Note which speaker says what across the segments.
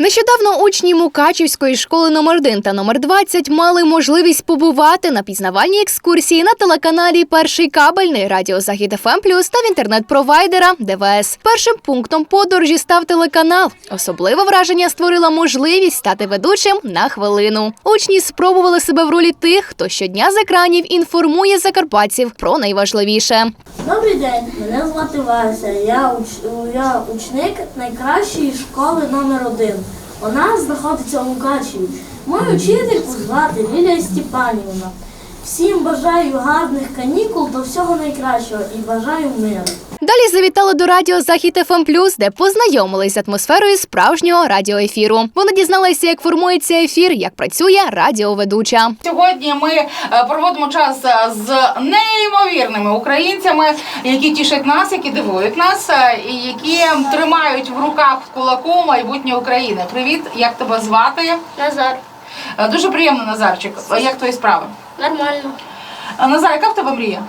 Speaker 1: Нещодавно учні Мукачівської школи номер 1 та номер 20 мали можливість побувати на пізнавальній екскурсії на телеканалі «Перший кабельний», радіо Захід ФМ+, та в інтернет-провайдера ДВС. Першим пунктом подорожі став телеканал. Особливе враження створила можливість стати ведучим на хвилину. Учні спробували себе в ролі тих, хто щодня з екранів інформує закарпатців про найважливіше.
Speaker 2: Добрий день, мене звати Вася. Я ученик найкращої школи номер 1. Вона знаходиться у Мукачеві. Мою вчительку звати Лілія Степанівна. Всім бажаю гарних канікул та всього найкращого і бажаю миру.
Speaker 1: Далі завітали до радіо Захід ФМ+, де познайомились з атмосферою справжнього радіоефіру. Вони дізналися, як формується ефір, як працює радіоведуча.
Speaker 3: Сьогодні ми проводимо час з неймовірними українцями, які тішать нас, які дивують нас, і які тримають в руках в кулаку майбутнє України. Привіт, як тебе звати?
Speaker 2: Назар.
Speaker 3: Дуже приємно, Назарчик. Як твої справи?
Speaker 2: Нормально.
Speaker 3: Назар, яка в тебе мрія?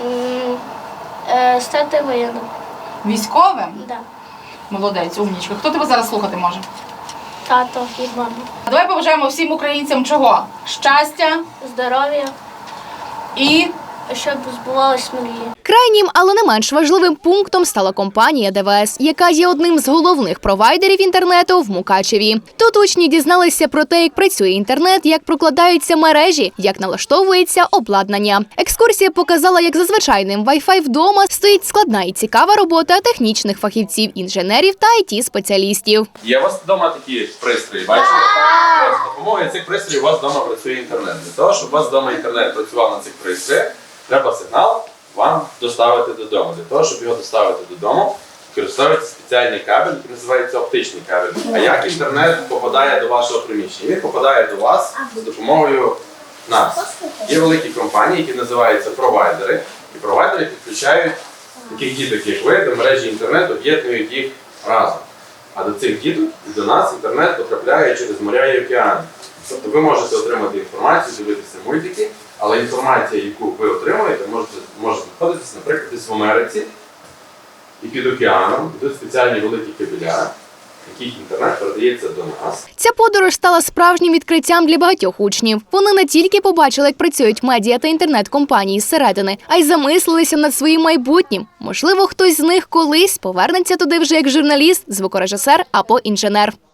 Speaker 2: Стати воєнним.
Speaker 3: Військовим?
Speaker 2: Да.
Speaker 3: Молодець, умнічка. Хто тебе зараз слухати може?
Speaker 2: Тато і мама.
Speaker 3: Давай побажаємо всім українцям чого? Щастя
Speaker 2: Здоров'я,
Speaker 3: і...
Speaker 2: щоб збувалися мрії.
Speaker 1: Крайнім, але не менш важливим пунктом стала компанія ДВС, яка є одним з головних провайдерів інтернету в Мукачеві. Тут учні дізналися про те, як працює інтернет, як прокладаються мережі, як налаштовується обладнання. Екскурсія показала, як за звичайним Wi-Fi вдома стоїть складна і цікава робота технічних фахівців, інженерів та IT-спеціалістів.
Speaker 4: Є у вас вдома такі пристрої, бачите? З допомогою цих пристроїв у вас вдома працює інтернет. Для того, щоб у вас вдома інтернет працював на цих пристроях, треба сигнал вам доставити додому. Для того, щоб його доставити додому, використовується спеціальний кабель, який називається оптичний кабель. А як інтернет попадає до вашого приміщення? Він попадає до вас з допомогою нас. Є великі компанії, які називаються провайдери. І провайдери підключають таких діток, як ви, до мережі інтернету, об'єднують їх разом. А до цих діток і до нас інтернет потрапляє через моря і океани. Тобто ви можете отримати інформацію, дивитися мультики, але інформація, яку ви отримуєте, може знаходитися, наприклад, десь в Америці і під океаном. Тут спеціальні великі кабеля, яких інтернет передається до нас.
Speaker 1: Ця подорож стала справжнім відкриттям для багатьох учнів. Вони не тільки побачили, як працюють медіа та інтернет-компанії зсередини, а й замислилися над своїм майбутнім. Можливо, хтось з них колись повернеться туди вже як журналіст, звукорежисер або інженер.